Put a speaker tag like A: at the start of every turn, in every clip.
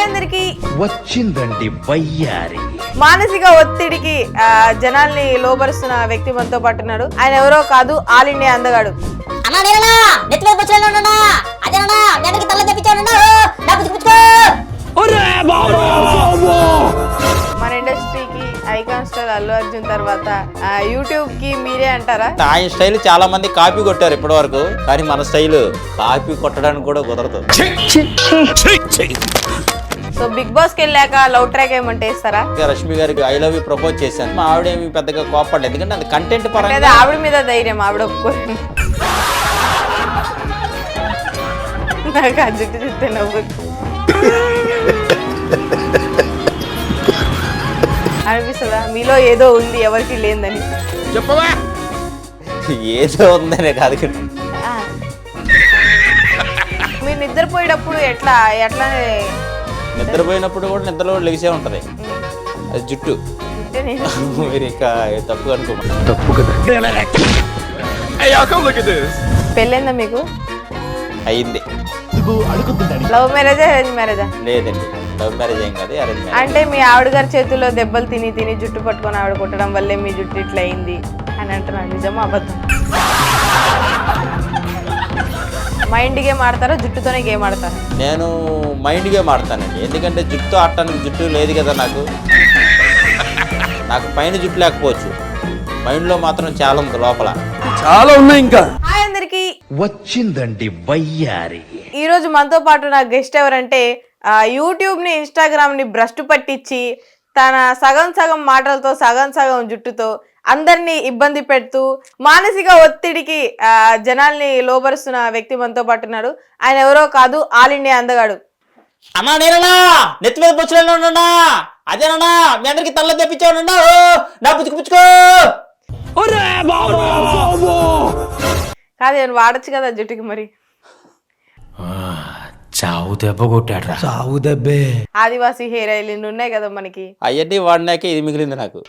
A: అందరికి
B: వచ్చిందండి వయ్యారి.
A: మానసిక ఒత్తిడికి జనాల్ని లోబరుస్తున్న వ్యక్తి మనతో పాటు ఉన్నాడు. ఆయన ఎవరో కాదు, ఆల్ ఇండియా అందగాడు. మన ఇండస్ట్రీకి ఐకాన్ స్టార్ అల్లు అర్జున్ తర్వాత యూట్యూబ్ కి మీరే అంటారా?
C: ఆయన స్టైల్ చాలా మంది కాపీ కొట్టారు ఇప్పటి వరకు, కానీ మన స్టైల్ కాపీ కొట్టడానికి కూడా కుదరదు.
A: సో బిగ్ బాస్ కి వెళ్ళాక లవ్ ట్రాక్ ఏమంటే ఇస్తారా?
C: రష్మి గారికి ఐ లవ్ యూ ప్రపోజ్ చేశాను. మా ఆవిడేమి పెద్దగా కోపడలేదు, ఎందుకంటే అది కంటెంట్ పరంగా.
A: ఆవిడ మీద ధైర్యం, ఆవిడ ఒప్పుకోరు. నాకు ఆ జుట్టు చూస్తే నవ్వు అనిపిస్తుందా మీలో ఏదో ఉంది ఎవరికి లేదని?
B: చెప్పవా?
C: ఏదో ఉందనే కాదు,
A: మీరు నిద్రపోయేటప్పుడు ఎట్లానే
C: నిద్రపోయినప్పుడు కూడా నిద్రలో లెగిసే ఉంటది అది జుట్టు. మీరు ఇంకా తప్పు అనుకోండి.
B: తప్పు కదా.
A: పెళ్ళైందా మీకు?
C: అయింది.
A: లవ్ మ్యారేజా అరేంజ్ మ్యారేజా?
C: లేదండి, లవ్ మ్యారేజ్ ఏం కాదు, అరేంజ్ మ్యారేజ్.
A: అంటే మీ ఆవిడ గారి చేతుల్లో దెబ్బలు తిని తిని జుట్టు పట్టుకొని ఆవిడ కొట్టడం వల్లే మీ జుట్టు ఇట్లా అయింది అని అంటున్నాను. నిజమా అబద్ధం? మైండ్ గేమ్ ఆడతారా, జుట్టుతోనే గేమ్ ఆడతారా?
C: నేను మైండ్ గేమ్ ఆడతానండి, ఎందుకంటే జుట్టు ఆడటానికి జుట్టు లేదు కదా నాకు పైన జుట్టు లేకపోవచ్చు, మైండ్ లో మాత్రం చాలా ఉంది, లోపల
B: చాలా ఉన్నాయి. ఇంకా
A: హాయ్ అందరికి,
B: వచ్చిందండి వయ్యారి.
A: ఈ రోజు మనతో పాటు నా గెస్ట్ ఎవరంటే యూట్యూబ్ ని ఇన్స్టాగ్రామ్ ని భ్రష్టు పట్టించి తన సగం సగం మాటలతో సగం సగం జుట్టుతో అందరినీ ఇబ్బంది పెడుతూ మానసిక ఒత్తిడికి జనాల్ని లోబరుస్తున్న వ్యక్తి మనతో పాటు ఉన్నాడు. ఆయన ఎవరో కాదు, ఆల్ ఇండియా అందగాడు.
C: అమ్మా నేనన్నా నెత్తి మీద పుచ్చులేనా అదేనా మీ అందరికి తల్ల తెప్పించావు నా పుచ్చుకో.
A: కాదు, నేను వాడచ్చు కదా జుట్టుకి. మరి
D: చావు దెబ్బ కొట్టాడు. చావు దెబ్బే.
A: ఆదివాసీ హెయిర్ ఆయిల్ ఇన్ని ఉన్నాయి కదా మనకి,
C: అవన్నీ వాడినాకే ఇది మిగిలింది నాకు.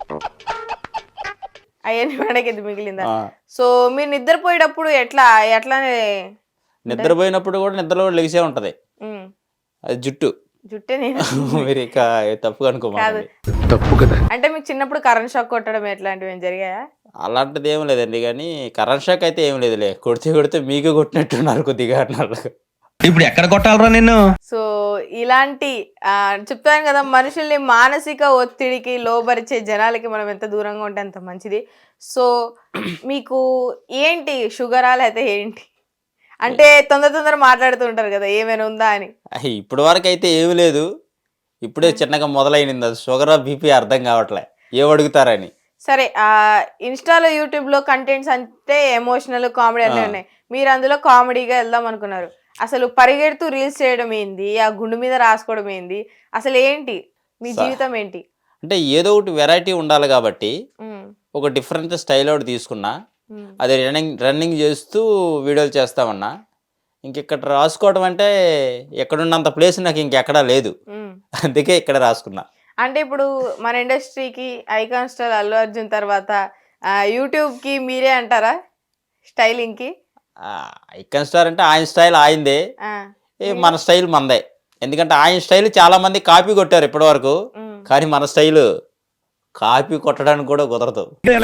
A: అవన్నీ వాడకి ఇది మిగిలిందా? సో మీరు నిద్రపోయేటప్పుడు ఎట్లానే
C: నిద్రపోయినప్పుడు కూడా నిద్రలో లెగిసే ఉంటది అది జుట్టు.
A: జుట్టే నేను
C: మీరు ఇక తప్పు అనుకోమాలి.
B: తప్పు కదా.
A: అంటే మీకు చిన్నప్పుడు కరెంట్ షాక్ కొట్టడం ఎట్లాంటివి ఏం జరిగాయా?
C: అలాంటిది ఏం లేదండి, కానీ కరెంట్ షాక్ అయితే ఏం లేదులే. కొడితే మీకు కొట్టినట్టున్నారు కొద్దిగా అన్నారు.
D: ఇప్పుడు ఎక్కడ కొట్టాలరా నిన్ను?
A: సో ఇలాంటి చెప్తాను కదా, మనుషుల్ని మానసిక ఒత్తిడికి లోబరిచే జనాలకి మనం ఎంత దూరంగా ఉంటే అంత మంచిది. సో మీకు ఏంటి షుగరా లేకపోతే ఏంటి? అంటే తొందర మాట్లాడుతూ ఉంటారు కదా, ఏమైనా ఉందా అని.
C: ఇప్పటి వరకు అయితే ఏమి లేదు, ఇప్పుడే చిన్నగా మొదలైంది. అది షుగరా బీపీ అర్థం కావట్లే, ఏం అడుగుతారని.
A: సరే, ఇన్స్టాలో యూట్యూబ్లో కంటెంట్స్ అంటే ఎమోషనల్ కామెడీ అన్నీ ఉన్నాయి. మీరు అందులో కామెడీగా వెళ్దాం అనుకున్నారు. అసలు పరిగెడుతూ రీల్స్ చేయడం ఏంది, ఆ గుండు మీద రాసుకోవడం ఏంది, అసలు ఏంటి మీ జీవితం ఏంటి?
C: అంటే ఏదో ఒకటి వెరైటీ ఉండాలి కాబట్టి ఒక డిఫరెంట్ స్టైల్ ఒకటి తీసుకున్నా. అది రన్నింగ్ చేస్తూ వీడియోలు చేస్తామన్నా. ఇంకెక్కడ రాసుకోవడం అంటే ఎక్కడున్నంత ప్లేస్ నాకు ఇంకెక్కడా లేదు, అందుకే ఇక్కడ రాసుకున్నా.
A: అంటే ఇప్పుడు మన ఇండస్ట్రీకి ఐకాన్ స్టార్ అల్లు అర్జున్ తర్వాత యూట్యూబ్ కి మీరే అంటారా స్టైలింగ్ కి?
C: ఐకాన్ స్టార్ అంటే ఆయన స్టైల్ ఆయనదే, మన స్టైల్ మనదే. ఎందుకంటే ఆయన స్టైల్ చాలా మంది కాపీ కొట్టారు ఇప్పటి వరకు, కానీ మన స్టైల్ కాపీ కొట్టడానికి కూడా కుదరదు.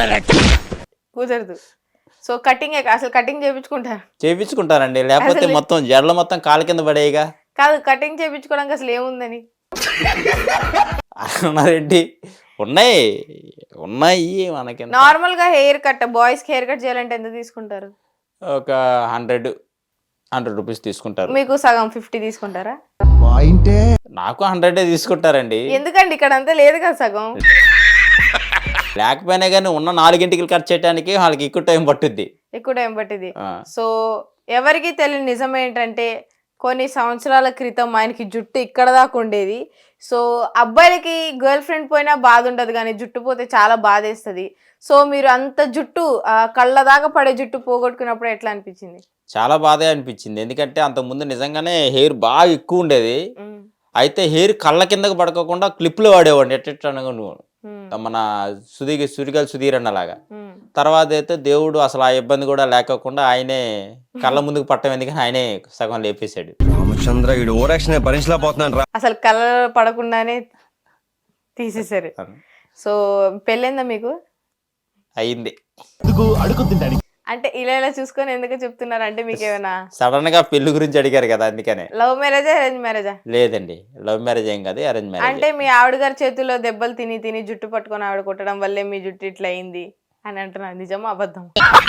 A: సో కటింగ్ అసలు కటింగ్
C: చేయించుకుంటారండి, లేకపోతే మొత్తం జడలు మొత్తం కాలు కింద పడేయగా.
A: కాదు, కటింగ్ చేయించుకోవడానికి అసలు ఏముందని
C: అన్నారెడ్డి. ఉన్నాయి మనకి.
A: నార్మల్ గా హెయిర్ కట్, బాయ్స్ కి హెయిర్ కట్ చేయాలంటే ఎంత తీసుకుంటారు?
C: ఒక 100 రూపీస్ తీసుకుంటారు.
A: మీకు సగం 50 తీసుకుంటారా?
C: నాకు 100 తీసుకుంటారండి.
A: ఎందుకండి ఇక్కడ అంతా లేదు కదా సగం.
C: లేకపోయినా కానీ ఉన్న 4 గంటలు కట్ చేయడానికి వాళ్ళకి ఎక్కువ టైం పట్టుద్ది.
A: సో ఎవరికి తెలియని నిజం ఏంటంటే కొన్ని సంవత్సరాల క్రితం ఆయనకి జుట్టు ఇక్కడ దాకా ఉండేది. సో అబ్బాయిలకి గర్ల్ ఫ్రెండ్ పోయినా బాధ ఉండదు, కానీ జుట్టు పోతే చాలా బాధేస్తుంది. సో మీరు అంత జుట్టు కళ్ళ దాకా పడే జుట్టు పోగొట్టుకున్నప్పుడు ఎట్లా అనిపించింది?
C: చాలా బాధే అనిపించింది, ఎందుకంటే అంతకుముందు నిజంగానే హెయిర్ బాగా ఎక్కువ ఉండేది. అయితే హెయిర్ కళ్ళ కిందకు పడుకోకుండా క్లిప్లు వాడేవాడిని ఎట్టనగా మన సురిగల్ సుధీర్ అన్నలాగా. తర్వాత అయితే దేవుడు అసలు ఆ ఇబ్బంది కూడా లేకోకుండా ఆయనే కళ్ళ ముందుకు పట్టం, ఎందుకని ఆయనే సగం లేపేశాడు.
E: రామచంద్ర వీడు ఓరాక్షన్ భరించలేకపోతున్నాను రా.
A: అసలు కలర్ పడకుండానే తీసేశారు. సో పెళ్ళైందా మీకు?
C: అయింది.
A: అంటే ఇలా చూసుకొని ఎందుకు చెప్తున్నారు? అంటే మీకు ఏమైనా
C: సడన్ గా పెళ్లి గురించి అడిగారు కదా, అందుకనే.
A: లవ్ మ్యారేజా అరేంజ్ మ్యారేజా?
C: లేదండి, లవ్ మ్యారేజ్ ఏం కాదు, అరేంజ్ మ్యారేజ్.
A: అంటే మీ ఆవిడ గారి చేతుల్లో దెబ్బలు తిని తిని జుట్టు పట్టుకొని ఆవిడ కొట్టడం వల్లే మీ జుట్టు ఇట్లా అయింది అని అంటున్నారు. నిజమా అబద్ధం?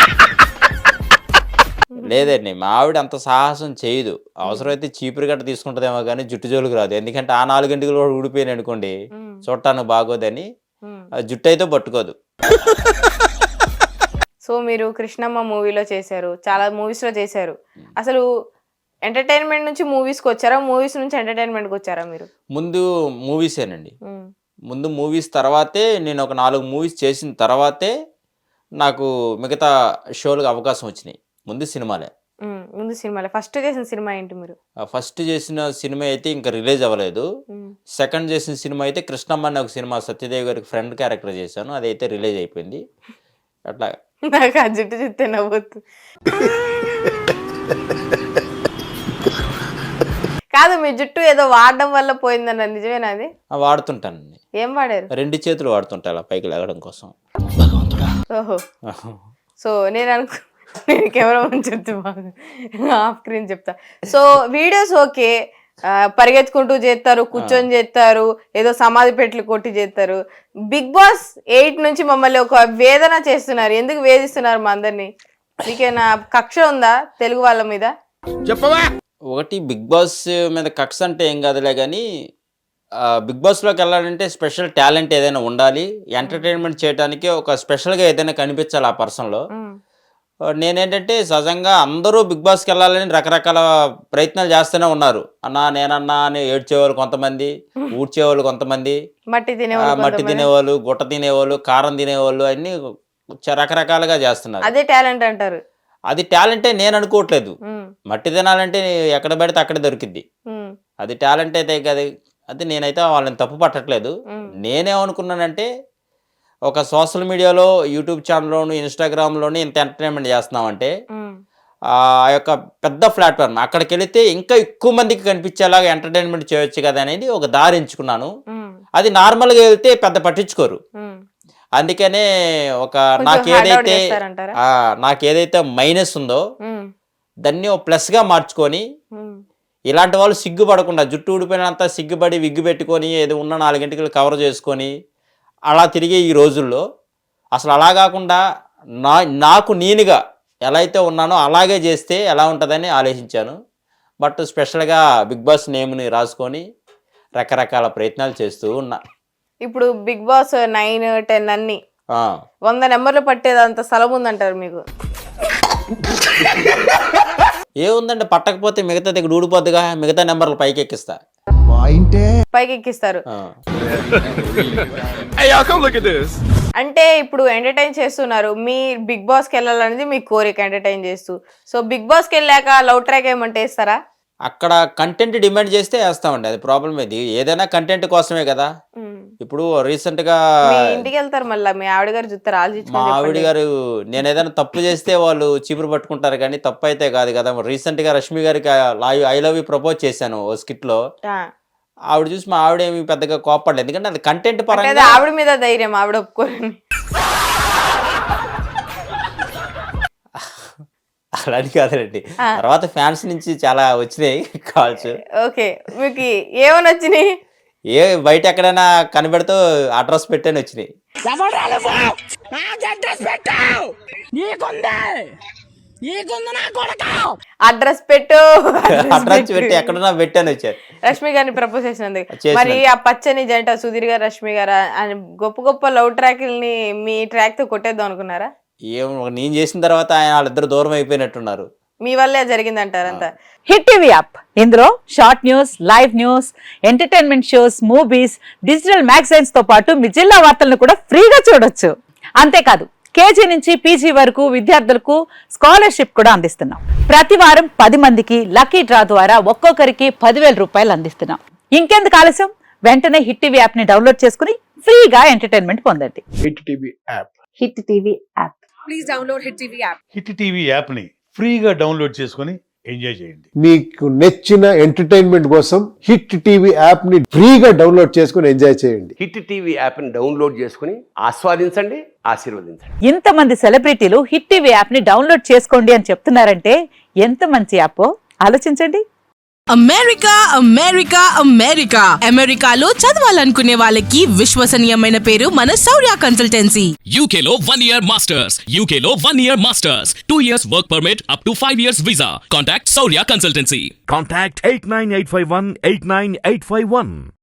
C: లేదండి, మా ఆవిడ అంత సాహసం చేయదు. అవసరమైతే చీపురు గట్ట తీసుకుంటదేమో కానీ జుట్టు జోలికి రాదు. ఎందుకంటే ఆ 4 గంటలు కూడా ఊడిపోయాను అనుకోండి, చూడటానికి బాగోదని ఆ జుట్టు అయితే పట్టుకోదు.
A: సో మీరు కృష్ణమ్మ మూవీలో చేశారు, చాలా మూవీస్ లో చేశారు. అసలు ఎంటర్టైన్మెంట్ నుంచి మూవీస్కి వచ్చారా, మూవీస్ నుంచి ఎంటర్టైన్మెంట్కి వచ్చారా మీరు?
C: ముందు మూవీసేనండి. ముందు మూవీస్ తర్వాతే నేను ఒక 4 మూవీస్ చేసిన తర్వాతే నాకు మిగతా షోలకు అవకాశం వచ్చినాయి. ముందు సినిమాలే.
A: ముందు సినిమాలే. ఫస్ట్ చేసిన సినిమా ఏంటి మీరు?
C: ఫస్ట్ చేసిన సినిమా అయితే ఇంకా రిలీజ్ అవ్వలేదు. సెకండ్ చేసిన సినిమా అయితే కృష్ణమ్మ అనే ఒక సినిమా, సత్యదేవి గారికి ఫ్రెండ్ క్యారెక్టర్ చేశాను, అదైతే రిలీజ్ అయిపోయింది. అట్లా
A: నాకు ఆ జుట్టు చూస్తే నవ్వొద్దు. కాదు, మీ జుట్టు ఏదో వాడడం వల్ల పోయిందన్న, నిజమేనా అది?
C: వాడుతుంటానండి.
A: ఏం వాడారు?
C: 2 చేతులు వాడుతుంటా అలా పైకి లేగడం కోసం.
A: ఓహో. సో నేను కెమెరా ముందు చెప్తా, ఆఫ్ స్క్రీన్ చెప్తా. సో వీడియోస్ ఓకే, పరిగెత్తుకుంటూ చేస్తారు, కూర్చొని చేస్తారు, ఏదో సమాధి పెట్లు కొట్టి చేస్తారు. బిగ్ బాస్ 8 నుంచి మమ్మల్ని ఒక వేదన చేస్తున్నారు. ఎందుకు వేధిస్తున్నారు మా అందరినీ? మీకేనా కక్ష ఉందా తెలుగు వాళ్ళ మీద?
B: చెప్పవా?
C: ఒకటి, బిగ్ బాస్ మీద కక్ష అంటే ఏం కాదులే కానీ, బిగ్ బాస్లోకి వెళ్ళాలంటే స్పెషల్ టాలెంట్ ఏదైనా ఉండాలి. ఎంటర్టైన్మెంట్ చేయడానికి ఒక స్పెషల్గా ఏదైనా కనిపించాలి ఆ పర్సన్లో. నేనేంటంటే సహజంగా అందరూ బిగ్ బాస్కి వెళ్ళాలని రకరకాల ప్రయత్నాలు చేస్తూనే ఉన్నారు. నేనన్నా అని ఏడ్చేవాళ్ళు కొంతమంది, ఊడ్చేవాళ్ళు కొంతమంది, మట్టి తినేవాళ్ళు, గుట్ట తినేవాళ్ళు, కారం తినేవాళ్ళు, అన్ని రకరకాలుగా చేస్తున్నారు.
A: అదే టాలెంట్ అంటారు?
C: అది టాలెంటే నేను అనుకోవట్లేదు. మట్టి తినాలంటే ఎక్కడ పడితే అక్కడ దొరికిద్ది, అది టాలెంట్ అయితే కదా. అది నేనైతే వాళ్ళని తప్పు పట్టట్లేదు. నేనేమనుకున్నానంటే, ఒక సోషల్ మీడియాలో, యూట్యూబ్ ఛానల్లోను, ఇన్స్టాగ్రామ్లోను ఇంత ఎంటర్టైన్మెంట్ చేస్తున్నామంటే, ఆ యొక్క పెద్ద ప్లాట్ఫామ్ అక్కడికి వెళితే ఇంకా ఎక్కువ మందికి కనిపించేలాగా ఎంటర్టైన్మెంట్ చేయొచ్చు కదా అనేది ఒక దారి ఎంచుకున్నాను. అది నార్మల్గా వెళ్తే పెద్ద పట్టించుకోరు. అందుకనే ఒక నాకేదైతే మైనస్ ఉందో దాన్ని ఒక ప్లస్గా మార్చుకొని, ఇలాంటి వాళ్ళు సిగ్గుపడకుండా, జుట్టు ఊడిపోయినంత సిగ్గుపడి విగ్గు పెట్టుకొని ఏదో ఉన్న 4 గంటలు కవర్ చేసుకొని అలా తిరిగే ఈ రోజుల్లో అసలు అలా కాకుండా నాకు నేనుగా ఎలా అయితే ఉన్నానో అలాగే చేస్తే ఎలా ఉంటుందని ఆలోచించాను. బట్ స్పెషల్గా బిగ్ బాస్ నేమ్ని రాసుకొని రకరకాల ప్రయత్నాలు చేస్తూ ఉన్నా.
A: ఇప్పుడు బిగ్ బాస్ 9, 10 అన్ని 100 నెంబర్లు పట్టేదంత స్థలం ఉందంటారు మీకు?
C: ఏముందంటే, పట్టకపోతే మిగతా దగ్గర ఊడిపోద్దుగా, మిగతా నెంబర్లు పైకి ఎక్కిస్తా.
A: పైకి ఎక్కిస్తారు. అంటే ఇప్పుడు ఎంటర్టైన్ చేస్తున్నారు, మీ బిగ్ బాస్కి వెళ్ళాలనేది మీ కోరిక, ఎంటర్టైన్ చేస్తూ. సో బిగ్ బాస్కి వెళ్ళాక లవ్ ట్రాక్ ఏమంటే వేస్తారా?
C: అక్కడ కంటెంట్ డిమాండ్ చేస్తే వేస్తామండి, అది ప్రాబ్లం. ఇది ఏదైనా కంటెంట్ కోసమే కదా. ఇప్పుడు రీసెంట్ గా
A: ఇంటికి వెళ్తారు, మళ్ళీ మీ ఆవిడ గారు చూస్తారు,
C: మా ఆవిడ గారు నేను ఏదైనా తప్పు చేస్తే వాళ్ళు చీపురు పట్టుకుంటారు, కానీ తప్పు అయితే కాదు కదా. రీసెంట్ గా రష్మి గారికి ఐ లవ్ యూ ప్రపోజ్ చేశాను ఓ స్కిట్ లో. ఆవిడ చూసి మా ఆవిడ ఏమి పెద్దగా కోపడలేదు, ఎందుకంటే అది కంటెంట్ పరంగా.
A: ఆవిడ మీద ధైర్యం, ఆవిడ ఒప్పుకోరని.
C: అలాంటి కాదండి, తర్వాత ఫ్యాన్స్ నుంచి చాలా వచ్చినాయి కాల్స్.
A: ఓకే, మీకు ఏమని వచ్చినాయి?
C: బయట ఎక్కడైనా కనబెడుతూ అడ్రస్ పెట్టని వచ్చినాయి.
A: అడ్రస్ పెట్టు,
C: అడ్రస్ పెట్టి ఎక్కడన్నా పెట్టని వచ్చారు.
A: రష్మి గారిని ప్రపోజ్ చేసినందుకు. మరి ఆ పచ్చని జంట సుధీర్ గారు, రష్మి గారు గొప్ప గొప్ప లవ్ ట్రాక్ని మీ ట్రాక్ తో కొట్టేద్దాం అనుకున్నారా?
C: నేను చేసిన తర్వాత వాళ్ళిద్దరు దూరం అయిపోయినట్టున్నారు.
A: మీ వల్లే జరిగిందంటారంతా.
F: హిట్ టీవీ యాప్, ఇందులో short news, live news, entertainment shows, movies, digital magazines తో పాటు మీ జిల్లా వార్తలను కూడా ఫ్రీగా చూడొచ్చు. అంతేకాదు, కేజీ నుంచి పీజీ వరకు విద్యార్థులకు స్కాలర్షిప్ కూడా అందిస్తున్నాం. ప్రతి వారం 10 మందికి లక్కీ డ్రా ద్వారా ఒక్కొక్కరికి 10,000 రూపాయలు అందిస్తున్నాం. ఇంకెందుకు ఆలస్యం, వెంటనే హిట్ టీవీ యాప్ ని డౌన్లోడ్ చేసుకుని ఫ్రీగా ఎంటర్టైన్మెంట్ పొందండి.
G: Hit TV app.
F: Hit TV app.
H: Please download hit TV app.
G: Hit TV యాప్ని ఫ్రీగా డౌన్లోడ్ చేసుకొని ఎంజాయ్ చేయండి.
H: మీకు నచ్చిన ఎంటర్టైన్మెంట్ కోసం హిట్ టీవీ యాప్ ని ఫ్రీగా డౌన్లోడ్ చేసుకుని ఎంజాయ్ చేయండి.
B: హిట్ టీవీ యాప్ ని డౌన్లోడ్ చేసుకుని ఆస్వాదించండి, ఆశీర్వదించండి.
F: ఇంతమంది సెలబ్రిటీలు హిట్ టీవీ యాప్ ని డౌన్లోడ్ చేసుకోండి అని చెప్తున్నారంటే ఎంత మంచి యాప్ ఆలోచించండి.
I: అమెరికా అమెరికా అమెరికా అమెరికాలో చదవాలనుకునే వాళ్ళకి విశ్వసనీయమైన పేరు మన శౌర్య కన్సల్టెన్సీ.
J: UK లో 1 year masters, UK లో 1 year masters, 2 years work permit up to 5 years visa. Contact Saurya Consultancy.
G: Contact 89851 89851.